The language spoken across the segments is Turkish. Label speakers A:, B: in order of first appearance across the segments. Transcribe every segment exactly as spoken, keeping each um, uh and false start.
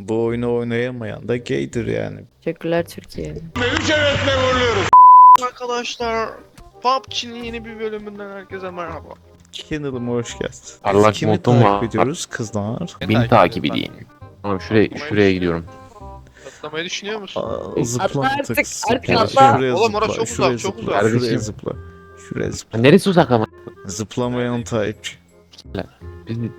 A: Bu oyunu oynayamayan da gaydir yani.
B: Teşekkürler Türkiye.
C: Arkadaşlar, P U B G'nin yeni bir bölümünden herkese merhaba.
A: Kanalıma hoş geldin.
D: Parlak
A: Kimi
D: montum
A: takip
D: var.
A: ediyoruz kızlar?
D: Bin takip edeyim. Tamam şuraya şuraya gidiyorum.
C: Atlamayı düşünüyor musun?
A: Aa, zıpla
B: Atla artık,
A: artık, zıpla.
B: artık atla.
A: Şuraya
C: Oğlum
A: zıpla,
C: orası çok
A: şuraya
C: uzak, çok
A: zıpla,
C: uzak.
A: şuraya
D: Kardeşim.
A: zıpla. Şuraya zıpla.
D: Ha, neresi uzak ama?
A: Zıplamayan takipçi.
D: Biz-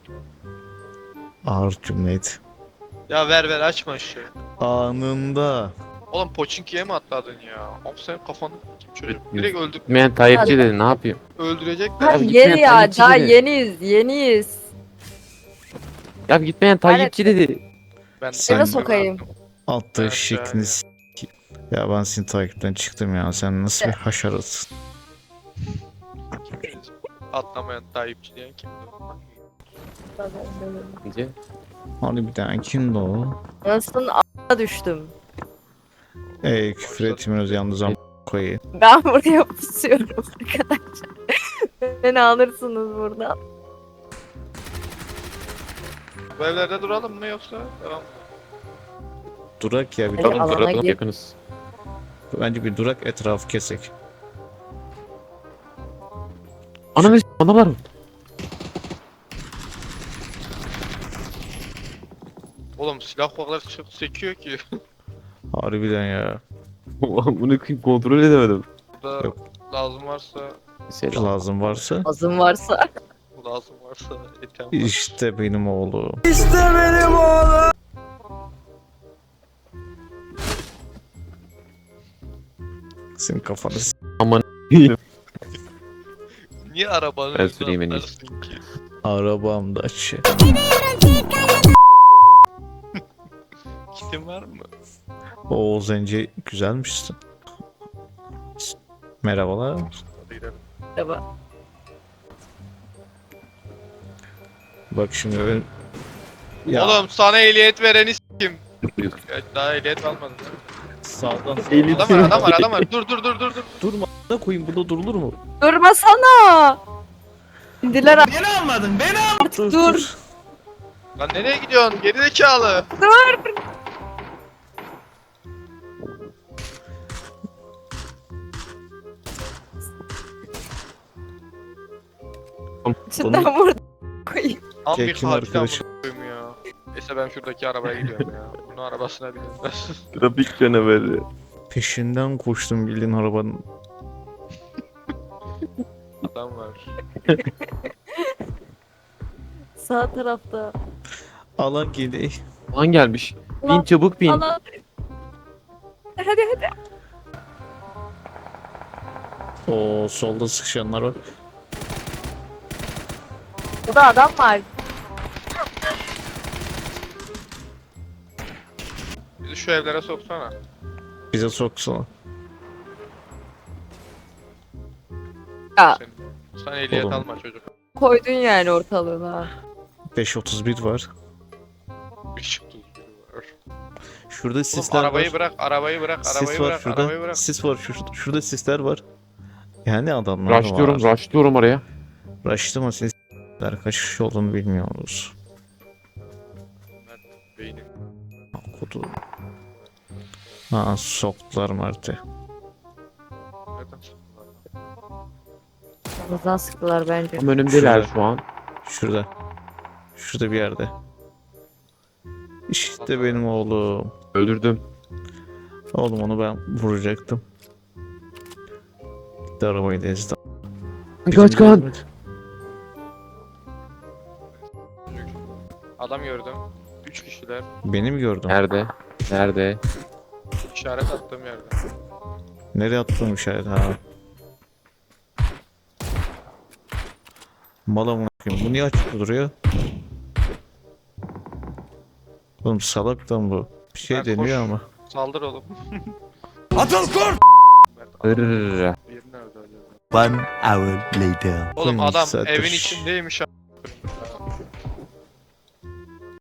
A: Ağır cümleydi.
C: Ya ver ver açma şu.
A: Anında.
C: Oğlum Pochinki'ye mi atladın ya? Of senin kafanı kim çocuk? Direkt öldür
D: Gitmeyen Tayyipçi dedi, ne yapayım?
C: öldürecekler.
B: Ha,
D: Abi
B: yeni
D: gitmeyen
B: ya,
D: taklitçi
B: daha
D: dedi.
B: yeniyiz, yeniyiz.
D: Ya gitmeyen Tayyipçi dedi.
C: Ben
A: Sen-
B: Eve sokayım.
A: Attığı
C: Evet,
A: şeklini s- Ya ben senin takipten çıktım ya. Sen nasıl bir haşarasın?
C: Atlamayan Tayyipçi diyen kimdi?
D: Bence.
A: Harbiden kimdi o?
B: Nasılsın a**a düştüm.
A: Ey küfür etmiyoruz yalnız ama koyayım.
B: Ben buraya pusuyorum arkadaşlar. Beni alırsınız buradan.
C: Bu evlerde duralım mı yoksa devam?
A: Durak ya bir
B: Hadi
A: durak.
B: alana
D: Duralım,
B: gir.
D: yakınız.
A: Bence bir durak etrafı kesek.
D: Ananı s*** bana var.
C: Oğlum silah o kadar çok sekiyor ki.
A: Harbiden ya.
D: Bunu kontrol edemedim.
C: Burada
A: Yok.
C: lazım varsa,
D: Selam.
A: Lazım varsa.
B: Azım varsa.
C: lazım varsa etem var.
A: İşte benim oğlum. Senin kafanı s-
D: Aman.
C: Niye arabanın
D: Ben
C: önüne
D: süreyim en
C: atlarsın ki?
A: arabamda şey.
C: Kitin var mı?
A: O Zence güzelmişsin. Merhabalar.
C: Hadi gidelim.
B: Merhaba.
A: Bak şimdi ben... Ya
C: Oğlum sana ehliyet vereni s**kim. Evet, daha ehliyet almadın.
A: sağdan
C: Adam var adam var adam var. Dur dur dur dur dur.
A: durma da koyayım, burada durulur mu?
B: Durmasana. İndiler a-
A: Dur,
B: dur.
C: Lan nereye gidiyorsun? Gerizekalı.
B: Cidden burada koyayım.
C: Tam bir
A: Kekim
C: katil
A: arkadaşım.
C: amına koyayım ya. Neyse ben şuradaki arabaya gidiyorum ya. Bunun arabasına bineyim ben.
D: Trafik canaveri.
A: Peşinden koştum bildiğin arabanın.
C: Adam var.
B: Sağ tarafta.
A: Alan gidi.
D: Lan gelmiş. Bin
B: Ulan,
D: çabuk bin.
B: Allah. Hadi hadi.
A: O solda sıkışanlar var.
B: Burada adam var.
C: Bizi şu evlere soksana.
A: Bize soksana.
B: Ya
C: Sen, sen ehliyet
A: Oğlum.
C: alma çocuk.
B: koydun yani ortalığına.
A: beş otuz bir var.
C: Bir çıktı biri var.
A: Şurada
C: Oğlum,
A: sisler
C: arabayı
A: var.
C: bırak, arabayı bırak,
A: Sis
C: arabayı
A: var
C: bırak,
A: şurada.
C: arabayı bırak.
A: Sis var şurada. Şurada sisler var. Yani adamlar
D: Rushlıyorum,
A: var.
D: rushlıyorum oraya.
A: Rush'lama ses. Kaç kişi olduğunu bilmiyoruz.
C: Beynim.
A: Kutu. Ha soktular Mert'e.
C: Nereden soktular?
B: Yanımızdan sıktılar bence.
D: Tam önümdeler
A: Şurada.
D: şu an.
A: Şurada. Şurada bir yerde. İşte benim oğlum.
D: Öldürdüm.
A: Oğlum onu ben vuracaktım. Gitti arabayı da ezdi.
D: Kaç kan.
C: Adam gördüm. Üç kişiler.
A: Beni mi gördün?
D: Nerede? Nerede?
C: İşaret attığım yerde.
A: Nereye attım işaret ha? Mala mı bakayım? Bu niye açık duruyor? Oğlum salak lan bu. Bir şey
C: Ben
A: deniyor
C: koş.
A: ama.
C: Saldır oğlum.
E: Atıl kur!
D: Hırrrr.
C: Bir nerede acaba?
E: One hour later.
C: Oğlum
A: Koymuş
C: adam
A: zaten.
C: evin içindeymiş. a-